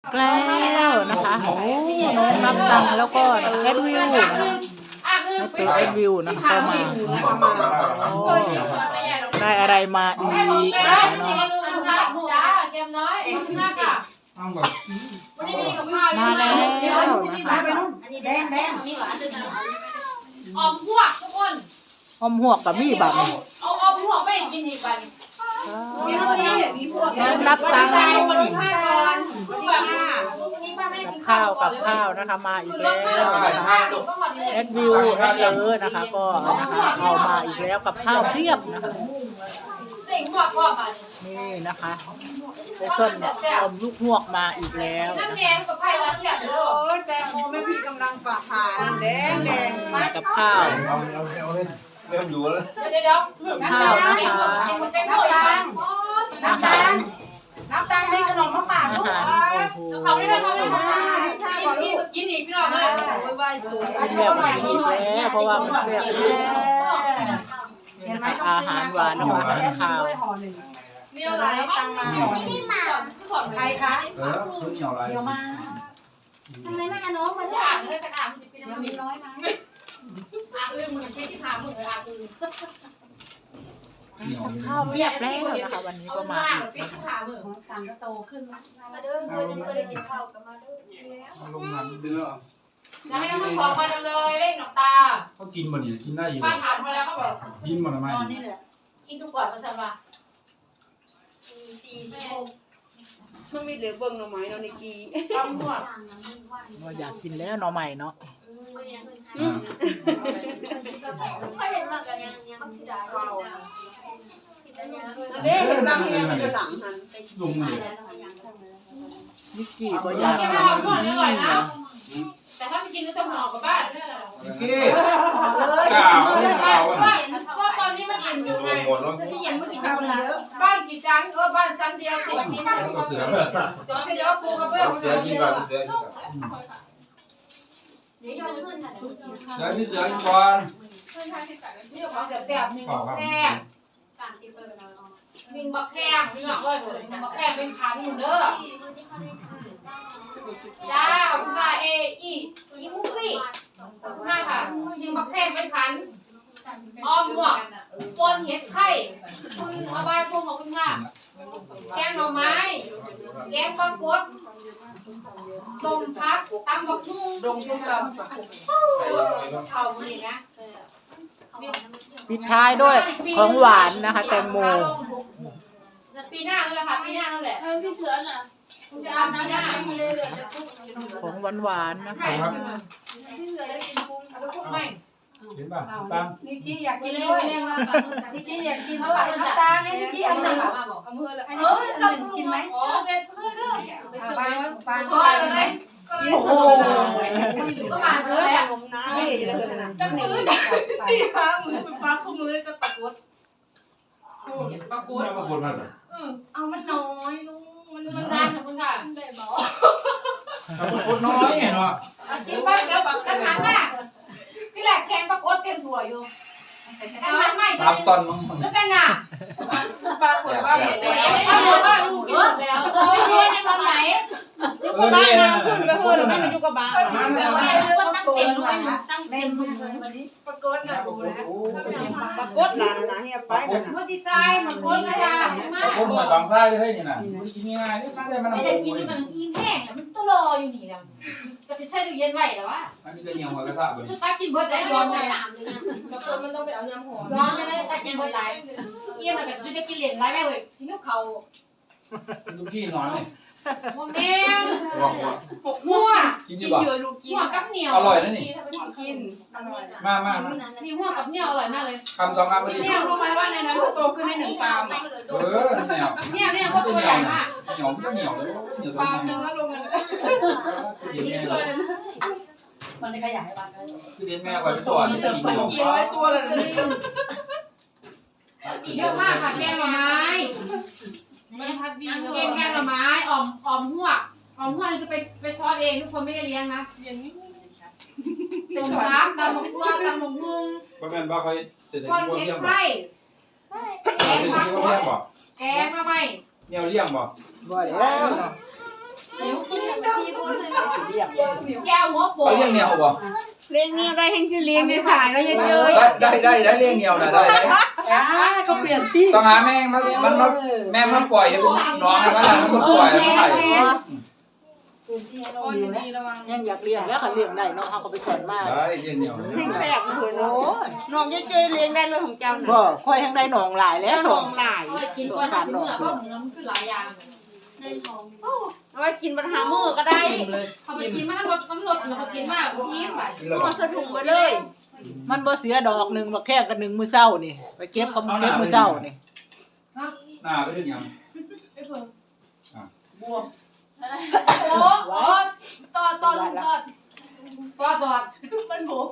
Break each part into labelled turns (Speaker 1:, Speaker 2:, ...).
Speaker 1: แล้วนะคะโอ้น้องนับตังแล้วก็แอดวิวนะคะตัวแอดวิวนะคะก็มาได้อะไรมาอีกนะคะเนาะมาแล้วนะคะ
Speaker 2: อมพวกทุกคน
Speaker 1: อมหวกกับมี่บัง
Speaker 2: เอาอมพวกไปกินอีกบัน
Speaker 1: นับตัง
Speaker 2: กับ
Speaker 1: ข้าวกับข้าวนะคะมาอีกแล้วนะคะแอดวิวแอดเยอะนะคะก็นะคะเอามาอีกแล้วกับข้าวเทียบนะคะนี่นะคะไปส้นอมลูกหวกมาอีกแล้ว
Speaker 2: น้ำแดงกับไผ่ละเอียดเลย
Speaker 3: โอ้ยแตงโมแม่พี่กำลังปากผ่าน้ำแดงแดง
Speaker 1: มากับข้าว
Speaker 4: เริ่มอยู่แล้ว
Speaker 2: เดี๋ยว
Speaker 1: ข้าวนะคะ อาหาร
Speaker 2: น้ำตาลมีขนมมาฝาก
Speaker 1: อา
Speaker 2: ลูก
Speaker 1: หารโอ้โห
Speaker 2: เขาไม่ได้ทำอะไรมากินอีกพี่น้องเลยไหว้สวย
Speaker 1: กินแบบนี้แล้วเพราะว่ามันแซ่บนี่นะคะอาหารหวานนะคะอาหารข้าว
Speaker 2: มีอะไรตังมาใครคะ
Speaker 4: คุณเหนียวอะไร
Speaker 2: เดี๋ยวมาทำไมไม่เอาน้องมาอ่านเลยกระดาษมันจะเป็นอะไรน้อยมั้งอ่านอื่นมันใช้ที่พามึงอ่านอื่น
Speaker 1: ข้าวเรียบแล้วนะคะวันนี้ก็มาอีก
Speaker 2: ที่พามึงต่างก็โตขึ้นมาเด้อเคยได้กินข้าวกันมาเด้อ
Speaker 4: ลงน้ำเดือด
Speaker 2: จะให้น้องสองมาจังเลยเล่นหนอกตา
Speaker 4: เขากินบ่เนี่ยกินได้อยู่
Speaker 2: ป้าถามมาแล้วเขาบอก
Speaker 4: กินบ่ทำไม
Speaker 2: กินทุกก่อนมาสั่งมา4
Speaker 3: มันมีเหลือเบิ่งหน่อไม้เนาะในกี
Speaker 2: ต้มหัว
Speaker 1: ว่าอยากกินแล้วหน่อใหม่เนาะ
Speaker 5: เคยเห็นมากันยังมักสิดาเรา
Speaker 3: เด้เห็นลังเนี่ยมันอยู่หลังหัน
Speaker 4: ลุงเลย
Speaker 1: นิกกี้ก็อยาก
Speaker 2: กิน
Speaker 1: กิน
Speaker 2: ข้าวก่อนอร่อย
Speaker 1: นี่
Speaker 2: นะ
Speaker 1: นะ
Speaker 2: แต่ถ้าไปกินก็ต้องห่อกลับบ้าน
Speaker 4: กี้กล่าวไม่กล่าว
Speaker 2: ใช่เพราะตอนนี้มันอิ่มอยู่ไง
Speaker 4: หมดแล้ว
Speaker 2: ที่ยังไม่กินข้าวแล้วบ้านกี่จานบ้านชั้นเดียวติดนี่จอดเดียวปูกระเบื้อง
Speaker 4: เสือกินก่อนเสือกินก่อน
Speaker 5: เดี๋ยวจะขึ้นค่ะ
Speaker 4: เสือที่เสือกินก่อน
Speaker 2: นี่ของแซ่บๆหนึ่งแค่
Speaker 5: 30เลยเรา
Speaker 2: หนึ่งบักแข้งนี่เลยบักแข้งเป็นพันหมดเด้อจ้าคุณนายอีมุกลี่คุณนายค่ะหนึ่งบักแข้งเป็นพันอ้อมหมวกปนเห็ดไข่คุณเอาใบพวงของคุณค่ะแกงหน่อไม้แกงปลากดต้มผักตำบักหุ่ง
Speaker 3: ดงส้มตำ
Speaker 2: เข่านี่นะ
Speaker 1: ปิดท้ายด้วยของหวานนะคะแตงโม
Speaker 2: ปีหน้านั่นแหละค่ะปีหน้านั่นแหละ
Speaker 5: พี่เสือน่ะคุณจะอาบน้ำยังไม่เลยเลยจะคุก
Speaker 1: ของหวานๆนะคะ
Speaker 5: พี่เสือจะกินกุ้ง
Speaker 2: เอาไปคุกไหม
Speaker 4: เห็นป่ะตาม
Speaker 3: นิกกี้อยาก
Speaker 2: กิ
Speaker 3: กิ
Speaker 2: น
Speaker 3: น
Speaker 2: เร็ว
Speaker 3: ด้วย
Speaker 2: เร็ว
Speaker 3: นิกกี้อยากกิน
Speaker 2: เอา
Speaker 3: เท่า
Speaker 2: ไป
Speaker 3: ไหร่
Speaker 2: น้ำ
Speaker 3: น้ำ
Speaker 2: ตา
Speaker 3: ตา
Speaker 2: ล
Speaker 3: ล
Speaker 2: ให้
Speaker 3: ให้
Speaker 2: นิ
Speaker 3: นิ
Speaker 2: ก
Speaker 3: ก
Speaker 2: กี้
Speaker 3: กี้
Speaker 2: อั
Speaker 3: อั
Speaker 2: น
Speaker 3: น
Speaker 2: ห
Speaker 3: ห
Speaker 2: นึ่
Speaker 3: นึ่
Speaker 2: ง
Speaker 3: ง
Speaker 2: เอา
Speaker 3: กินไหม
Speaker 2: อ๋อเป็นเพื่อนเด้อ
Speaker 3: ไปซื้อไป
Speaker 1: โอ้โห
Speaker 2: ก็มา
Speaker 3: เอ
Speaker 2: เล
Speaker 3: อย
Speaker 2: อ่ะ
Speaker 3: ขนมน้ำนี่เลยนะจังมือ
Speaker 6: สี่ห้ามือเป็นปลาคู่มือกับปลากด
Speaker 4: ปรากฏปรากฏมาเลย
Speaker 6: เอามันน้อยลูกมัน
Speaker 2: มันนานค่ะคุณค่ะ
Speaker 6: ได้บอก
Speaker 4: ปรากฏน้อยไงเนาะ
Speaker 2: กินไปเดี๋ยวกระถางอ่ะที่แรกแกงปลากดเต็มถั่วอยู่กระถางใหม่จะ
Speaker 4: 3 ตอนมั้ง
Speaker 2: แล้วเป็นอ่ะ
Speaker 3: ปลาขวดว่า
Speaker 2: ป้าบอกว่าลูกกินหมดแล้วไม่เรียนในตอนไหน
Speaker 3: อยู่กับบ้านน้ำขึ้นไปเพื่อนแม่มันอยู่กับบ้าน
Speaker 5: แต่ว่าคนตั้งเต็มเลยนะตั้งเต็มเลยวันนี้
Speaker 6: ปลากดนะดูนะ
Speaker 3: ปรากฏหลานนะเฮียไปนะ
Speaker 2: เมื่อดีไซน์มันคนกระถางมาก
Speaker 4: ผมมาบางไส้เลยนี่น่ะกินง่ายๆนี่มาได้มัน
Speaker 2: ไม่ได้กินมันอิ่มแห้งอ่ะมันต้องรออยู่นี่นะก็จะใช้ตู้เย็นไว้แล้วว่า
Speaker 4: อันนี้ก็เหนียวหัวกระทะเบิ่ง
Speaker 2: สุดท้ายกินเบิร์ดได้
Speaker 5: ได้
Speaker 2: ย้
Speaker 5: ย้
Speaker 2: อ
Speaker 5: อน น
Speaker 2: เล
Speaker 5: ไป
Speaker 2: ย
Speaker 5: 3เลยนะ
Speaker 6: ปลากดมันต้องไปเอาน้ำหอม
Speaker 2: ย้อนไม่ได้แต่กินเบิร์ดหลายเยี่ยมมันแบบจะกินเหรียญไรแม่เว้ยกินลูกเขา
Speaker 4: ลูกพี่นอนนี่
Speaker 2: โมเมน
Speaker 4: หัว
Speaker 2: หัว
Speaker 4: กิน
Speaker 6: กิ
Speaker 4: ดี
Speaker 6: น
Speaker 4: บ่
Speaker 6: เยอะลูกกิน
Speaker 2: หัวกับเหนียว
Speaker 4: อร่อยนะนี่
Speaker 6: กินอร่อย
Speaker 4: มา
Speaker 2: นี่หัวกับเหนียวอร่อยมากเลย
Speaker 4: คำ2คำพอดี
Speaker 3: เนี่ยรู้ไหมว่าในนั้นโตขึ้นได้1 ปาม
Speaker 4: แนว
Speaker 2: เนี่ยพวกตัวใหญ่มาก
Speaker 4: เหนียวไม่เหนียวเลยเหนียว
Speaker 3: ปาม
Speaker 4: เล
Speaker 3: นึ
Speaker 4: ย
Speaker 3: งแล้วลงกัน
Speaker 2: มันเลยขยายบ้านเลย
Speaker 4: คือเรียนแม่ไว้ไปก่อนนี่เหนียว
Speaker 6: กินไว้ตัวเลย
Speaker 2: เยอะมากค่ะแกงหน่อไม้
Speaker 6: มันพัดดี
Speaker 2: แกงหน่อไม้อ่อมหัวนี่คือไปช้อนเองทุกคนไม่ได้เลี้ยงนะ
Speaker 6: เรียนนี่ไม่ได้ชัด
Speaker 2: ต้มผักตำหมกหัวตำหมกมุง
Speaker 4: เพราะแม่นว่าเขาเสร็จแล้ว
Speaker 2: คน
Speaker 4: พวก
Speaker 2: เห็ด
Speaker 4: เลี้ยงบ่
Speaker 2: ไข่แก
Speaker 4: เสร็
Speaker 2: ง
Speaker 4: จ
Speaker 2: ผัก
Speaker 4: แล้วพวกเลี้ยงบ่
Speaker 2: แกงมาไหม
Speaker 4: แนวเลี้ยงบ่
Speaker 1: บ่แล้วเนาะ
Speaker 2: หิว
Speaker 1: เลี้ยง
Speaker 2: แก้วหัวโป
Speaker 4: เขาเลี้ยงเหนียวบ่
Speaker 3: เลี้ยงเนี่ยได้แห่งที่เลี้ยงในขายแล้วเยอะ
Speaker 4: ได้เลี้ยงเหนียวน่ะได้
Speaker 6: ก็เปลี่ยนที่
Speaker 4: ต้องหาแม่มันแม่มาปล่อยให้น้องนะมันล่ะมันปล่อยมันไข่
Speaker 6: โอ้ยดีระวัง
Speaker 1: ยังอยากเลี้ยงแล้วคันเลี้ยงได้เนาะเฮาก็ไปสอนมา
Speaker 4: ได้เลี้ยงเหนียว
Speaker 3: ๆพริกแซ่บเลยเนาะน้องเจ๊เลี้ยงได้เลยของเจ้า
Speaker 1: บ่
Speaker 3: น่ะ
Speaker 1: ค่อยทั้งได้หนองหลายแล้ว
Speaker 3: น้องหลาย
Speaker 2: กินก่อนทำเนื้อเพราะเนื้อมันคือหลายอย่าง
Speaker 3: เอาไว้กินปัญหามือก็ได้
Speaker 2: เขาไปกินมากน้ำรสเราไปกินมากยิ้มไป
Speaker 3: เอาใส่ถุงไว้เลย
Speaker 1: มันบ่เสียดอกหนึงบักแค่กันหนึงมื้อเช้านี่ไปเก็บกับเก็บมื้อเช้านี่
Speaker 4: หน้าไปถึงยัง
Speaker 6: บวมโอ้ต่อลุงต่อ
Speaker 2: ก็ตอด
Speaker 6: มันบวม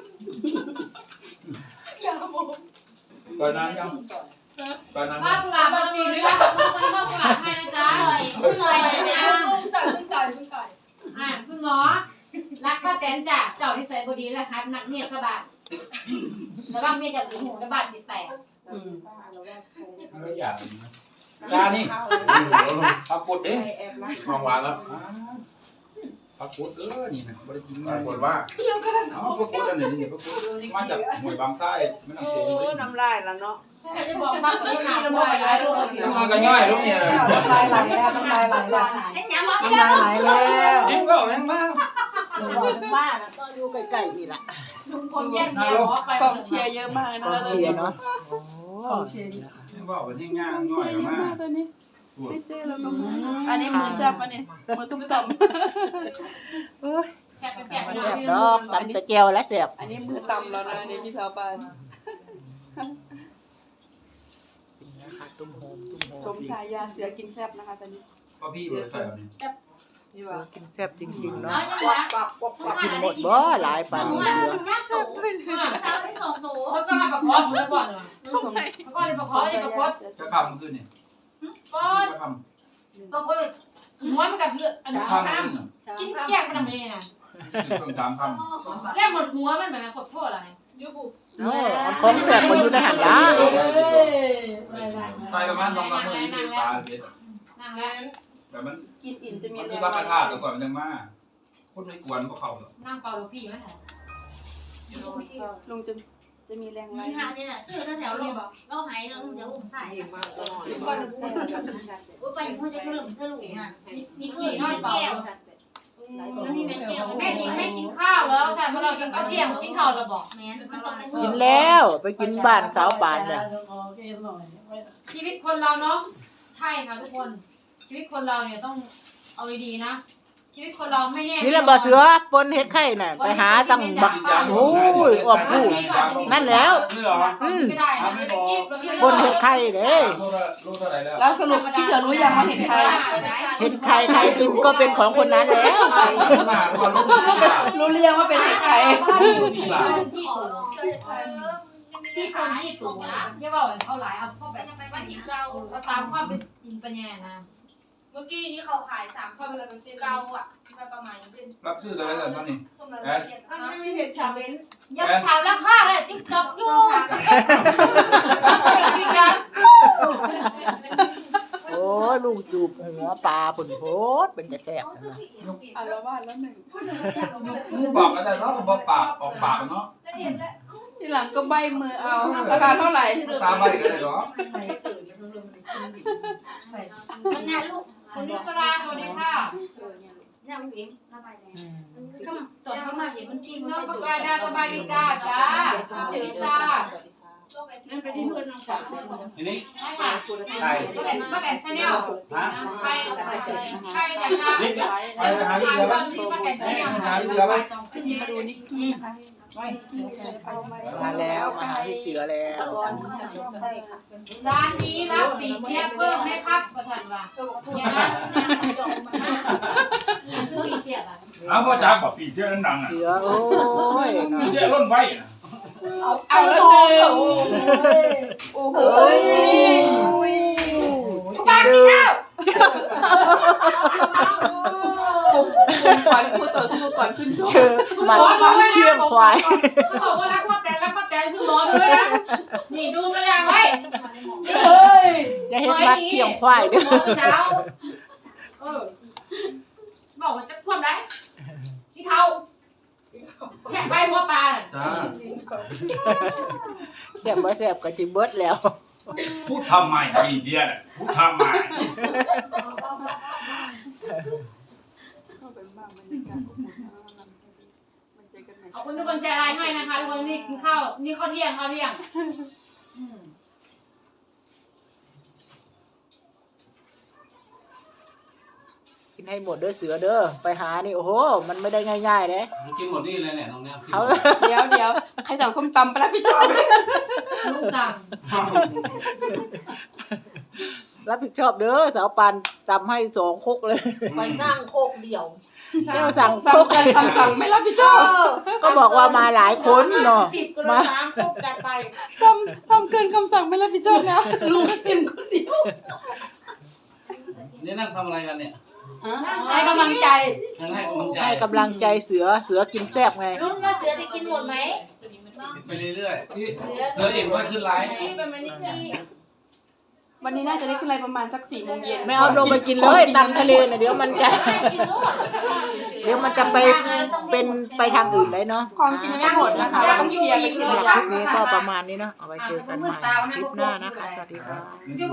Speaker 6: อย่าบวม
Speaker 4: ก่อนนั้นยังก่อนนั้น
Speaker 2: ป้ากุหลาบมาเลยนะป้ากุหลาบให้นะจ๊ะเลยนะ
Speaker 6: เพิ่งจ่าย
Speaker 2: คุณหมอรักป้าแตนจ้ะเจ้าที่ใส่บดีแล้วครับนักเมียสบายแล้วบ้างเมียจะสีหูและบาดจิตแตก
Speaker 4: ไม่อยากยานี่ปักปุดเอ๊ะ
Speaker 7: มองวางแล้ว
Speaker 4: ปักปุดนี่นะบริกิน
Speaker 7: ปรากฏว่า
Speaker 4: ปักปุดอันนี้ปักปุดมาจากหวยบางไส้ไม่ต้อง
Speaker 3: โอ้
Speaker 4: เสีย
Speaker 3: น้ำลายแล้วเนาะ
Speaker 2: จะบอกป้าคนนี้มาแล้วบอกอะไรลูกเสีย
Speaker 4: มันก็ง่ายลูกเนี่ย
Speaker 6: น้ำลายไหลแล้วน้ำลายไหลแล้ว
Speaker 5: ไอ้หยังบอก
Speaker 6: น้ำลายไหลแล้ว
Speaker 4: ยิ้มก็แม่งมาก
Speaker 1: บ้านน่ะก็อยู่ใกล้ๆนี่ล่ะ
Speaker 2: ลุงพลแยกเมียหมอไป
Speaker 6: กองเชียร์เยอะมากนะ
Speaker 1: เชียร์เนาะ
Speaker 6: กองเชียร์เยอะ
Speaker 4: บอกว่าที่ง่ายง่อยมาก
Speaker 6: ตัวนี้ไม่เจอแล้วก็อันนี้มือแซ่บป่ะเนี่ยมือตุ้มต่อม
Speaker 2: แกะไปแกะ
Speaker 1: มาแซ่บดอกตำตะแจ่วและแซ่บ
Speaker 6: อันนี้มือต่ำแล้วนะนี่พี่สาวปาน
Speaker 1: นะคะตุ้มโฮม
Speaker 6: ชมชายาเสือกินแซ่บนะคะตอนนี้
Speaker 4: พ่อพี่ใส่แบบนี้
Speaker 6: นี่
Speaker 1: เสื
Speaker 6: ว่า
Speaker 1: อกินแซ่บจริงๆ
Speaker 2: น้อ
Speaker 1: เนาะ
Speaker 2: ยจังหวะ
Speaker 1: กินหมดบ่หลายปานนี้เสือ
Speaker 5: น่าสูงสาวได้สองตัว
Speaker 2: เขาก็มาประคองมือก่อนเลยเขาก็เลยประคองเลยประคอง
Speaker 4: จะคำขึ้นนี่
Speaker 2: ก็
Speaker 4: จะค
Speaker 2: ก็หัวมันกับเลือดอัน
Speaker 4: ำ
Speaker 2: นี้
Speaker 4: จะคำขึ้น
Speaker 2: กินแก้มมันทำไมน่ะ
Speaker 4: ต้องตามค
Speaker 2: แก้มหมดหัวมันแบบขดโทษอะไร
Speaker 6: ยูบุ
Speaker 1: โอ้มันของแซ่บบ่อยู่ในหันล่ะ
Speaker 4: ำใส่ประมาณ2 3 มื้อนี่ตาเบ็ด
Speaker 2: นั่งแล้ว
Speaker 4: แต่มัน
Speaker 6: กินอิ่มจะมี
Speaker 4: มัน
Speaker 6: แร
Speaker 4: มี
Speaker 6: ง
Speaker 4: ธรรมชาติก่อนมันจังมาคนไม่กวนพวกเขาหรอก
Speaker 2: นั่งเฝ้าลูกพี่มันเหรอ
Speaker 6: ลุงจะมีแรงไหม
Speaker 5: มีหาเนี่ยซื้อแถวลงเราหายเราเดี๋ยวผมใส่
Speaker 3: นี่มากก็หน่อย
Speaker 5: ไปพูดจะหลุมสรุปน่ะ
Speaker 2: มีกี่น้อยเปล่า
Speaker 5: นี่เป็นแก้ว
Speaker 2: แม่กินข้าวแล้วใช่เมื่อเรากินข้าวเที่ยงกินข้าวจะบอก
Speaker 5: แม่มันต้องเป็น
Speaker 1: กินแล้วไปกินบ้านสาวปานน่ะ
Speaker 2: ชีวิตคนเราเนาะใช่ค่ะทุกคน ชีวิตคนเราเนี่ยต้องเอาดีๆนะ ชีวิตคนเราไม่แน่
Speaker 1: นี่แหละบ่เสือปนเฮ็ดไข่น่ะไปหาตั้งบักโอ้ยอ้อมผู้นั่นแล้ว
Speaker 4: นี่เหรอ
Speaker 2: ไม่ได้นะไม่ได้กิน
Speaker 1: ปนเฮ็ดไข่เด้
Speaker 4: ลูกเท่าไหร่แล้ว
Speaker 6: แล้วสรุปพี่เสือรู้ยังว่าเห็นใคร
Speaker 1: เฮ็ดไข่ใครกินก็เป็นของคนนั้นแล้ว
Speaker 4: มาก่อนลูกนี่ล่ะ
Speaker 6: รู้เรียงว่าเป็นใคร
Speaker 2: ที่คนที่ตู่นะเรียกว่าเขาหลายเอาเข้าแบบเอาตามความเป็นจริงปัญญานะ
Speaker 6: เมื่อกี้นี้เขาขาย3ข้อเวลาเป็นเกาอ่ะประมาณเป็น
Speaker 4: รับชื่ออะไรกันบ้างนี่
Speaker 3: มันไม่เห็นชาเบน
Speaker 2: ยังถามราคาเลยติ๊กต็อกอยู่ยืนยัน
Speaker 1: โอ้ยลุงจูบหัวปลาผุนโพดเป็นจะแซ่บนะ
Speaker 6: อ่ะแล้วว่าแล้วหนึ่ง
Speaker 4: มึงบอกอะไรเนาะบอกปากออกปากเนาะ
Speaker 6: ทีหลังก็ใบมือเอาราคาเท่าไหร่
Speaker 4: ตาใบกันเลยเหรอ
Speaker 5: งานลูก
Speaker 2: คุณนุสราสวัสดีค่ะ
Speaker 5: เนี่ยมันเองระบายแดงก็ตอนเข้ามาเห็นมันกิน
Speaker 2: น้องประกาศดาสบายดีจ้าจ้าเสรีจ้า
Speaker 3: นั่นเป็นที่เพื่อนน้องสาว
Speaker 4: ทีนี้
Speaker 2: ใช่ค่ะ
Speaker 4: ใคร
Speaker 2: ป้าแตนชาแนล
Speaker 4: ฮะ
Speaker 2: ใครใครแต่ค่ะ
Speaker 4: ใครไปหาที่เสือบ้าง
Speaker 2: ป้าแตนชาแนล
Speaker 4: หาที่เสือบ้าง
Speaker 6: มาดูนิกกี้นะคะ
Speaker 1: มาแล้วมาหาพี่เสือแล้ว
Speaker 2: ร้านนี้รับปีเชียเพิ่มไหมครับประธานว่าอย่างนั้นนี่คือปีเชียอ่ะ
Speaker 8: เอาพ่อจ๋าบอกปีเชื่อนั้นดังอ่ะ
Speaker 1: เสือโอ้ย
Speaker 8: ปีเชื่อล้นไว้นะ
Speaker 6: เอาแล้วหนึ่งโอ้โห
Speaker 2: ป้ากินข้าว
Speaker 6: ก่อนพูดต่อสู้ก่อนขึ้นชก
Speaker 1: เชื่อมันเพี้ยงควาย
Speaker 2: เขาบอกว่ารักป้าแตนรักป้าแตนคือหมอด้วยนะนี่ดูกันยังไว้
Speaker 6: เฮ้ย
Speaker 1: จะเฮ็ดมัดเพี้ยงควายเด้อ
Speaker 2: หมอหนาวบอกว่าจะท่วมได้เท้าแค่ใบหัวปลา
Speaker 4: จ้า
Speaker 1: แซ่บบ่แซ่บก็สิเบิดแล้ว
Speaker 8: พูดทำไมปีเดียวพูดทำไม
Speaker 2: ขอบคุณทุกคนแชร์ไลน์ให้นะคะทุกคนนี่กินข้าวนี่ข้าวเที่ยง
Speaker 1: กินให้หมดเด้อเสือเด้อไปหานี่โอ้โหมันไม่ได้ง่ายๆเด้
Speaker 4: กินหมดนี่เลยเนี่ยน้องเนี่ย
Speaker 1: เขา
Speaker 5: เดี๋ยวใครสั่งส้มตำไปแล้วพี่จอย
Speaker 2: ลูกดัง
Speaker 1: รับผิดชอบเด้อสาวปันตำให้2 ครกเลย
Speaker 3: ไปสร้างโคกเดี่ยว
Speaker 1: แก้วสั่ง
Speaker 5: สั่
Speaker 1: ครง ก
Speaker 5: กันคำสั่งไม่รับผิดชอบ
Speaker 1: ก็บอกว่ามาหลายคนเนาะ
Speaker 3: 10 ก็เลย
Speaker 1: มา
Speaker 3: 3 โคกกันไป
Speaker 5: ทำเกินคำสั่งไม่รับผิดชอบแล้วลุงเป็นคนเดียว
Speaker 4: นี่นั่งทำอะไรกันเนี่ย
Speaker 5: ให้กำลังใจ
Speaker 4: ให้กำลังใจ
Speaker 1: ให้กำลังใจเสือกินแซ่บไง
Speaker 6: รุ่นว่าเสือจะกินหมดไหม
Speaker 4: ไปเรื่อยๆที่เสือเอกว่าขึ้นไลฟ์
Speaker 3: นี่เป็นมันนี่นี่
Speaker 5: วันนี้น่าจะได้ขึ้นไลน์ประมาณสัก4 โมงเย็น
Speaker 1: ไม่เอาลงไปกินเลยตำทะเลน่ะเดี๋ยวมันจะ เดี๋ยวมันจะไปเป็นไปทางอื่นเลยเนาะ
Speaker 5: ของกินยังไม่หมดนะคะเราต้องเคลียร์ไปทีละ
Speaker 1: ค
Speaker 5: อย่า
Speaker 1: ลิ
Speaker 5: ง
Speaker 1: ปนี้ก็ประมาณนี้เนาะเอาไว้เจอกันใหม่คลิปหน้านะคะสวัสดีค่ะ